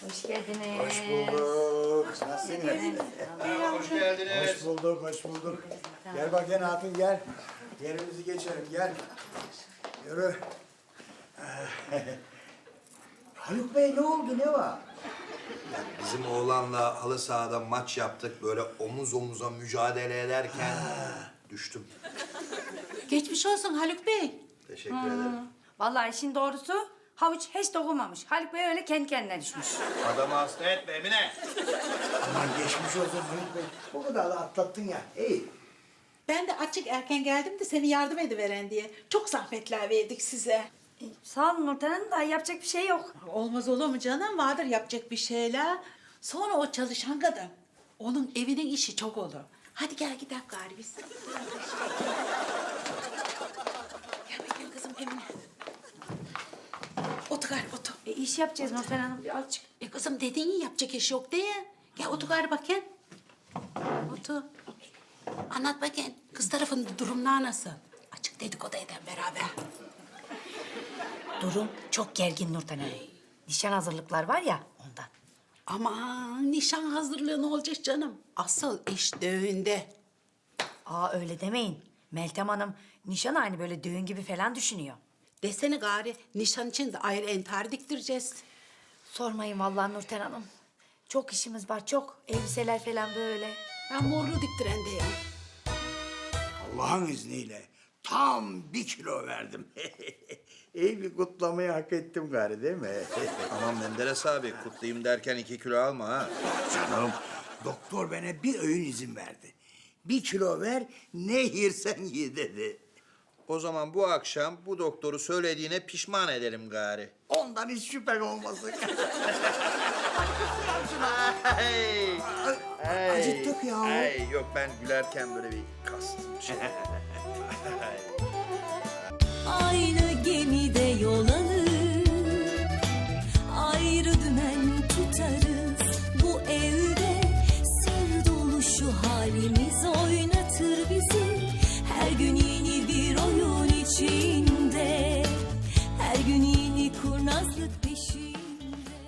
Hoş geldiniz. Hoş bulduk. Nasılsınız? Hoş geldiniz. Hoş bulduk, hoş bulduk. Gel bak gel hatun gel. Yerimizi geçelim gel. Yürü. Haluk Bey ne oldu ne var? Bizim oğlanla halı sahada maç yaptık. Böyle omuz omuza mücadele ederken düştüm. Geçmiş olsun Haluk Bey. Teşekkür ederim. Vallahi işin doğrusu havuç hiç dokunmamış. Haluk Bey öyle kendi kendine düşmüş. Adamı hasta etme Emine. Aman geçmiş olsun Haluk Bey. O kadar da atlattın ya. İyi. Ben de açık erken geldim de seni yardım ediveren diye. Çok zahmetler verdik size. Sağ olun Nurten Hanım da yapacak bir şey yok. Olmaz olur mu canım? Vardır yapacak bir şeyler. Sonra o çalışan kadın. Onun evinin işi çok olur. Hadi gel gidelim gari biz. Gel bakayım kızım Emine. Otur gari otur. İş yapacağız Nurten Hanım birazcık. Kızım dediğin iyi yapacak iş yok diye. Gel otur gari bakayım. Otur. Anlat bakayım. Kız tarafının durumlar nasıl? Açık dedikodu eden beraber. Durum çok gergin Nurten Hanım. Nişan hazırlıklar var ya ondan. Aman nişan hazırlığı ne olacak canım? Asıl iş düğünde. Aa öyle demeyin. Meltem Hanım nişan aynı böyle düğün gibi falan düşünüyor. Desene gari nişan için de ayrı entar diktireceğiz. Sormayın vallahi Nurten Hanım. Çok işimiz var çok. Elbiseler falan böyle. Ben morlu diktiren deyim. Allah'ın izniyle tam 1 kilo verdim. İyi bir kutlamayı hak ettim gari değil mi? Aman Menderes abi kutlayayım derken 2 kilo alma ha. Canım doktor bana bir öğün izin verdi. 1 kilo ver ne yersen ye dedi. O zaman bu akşam bu doktoru söylediğine pişman ederim gari. Ondan hiç şüphen olmasın. Hey! Acıttık ya. Hey, yok ben gülerken böyle bir kastım şey. Aynı gemide yol alır.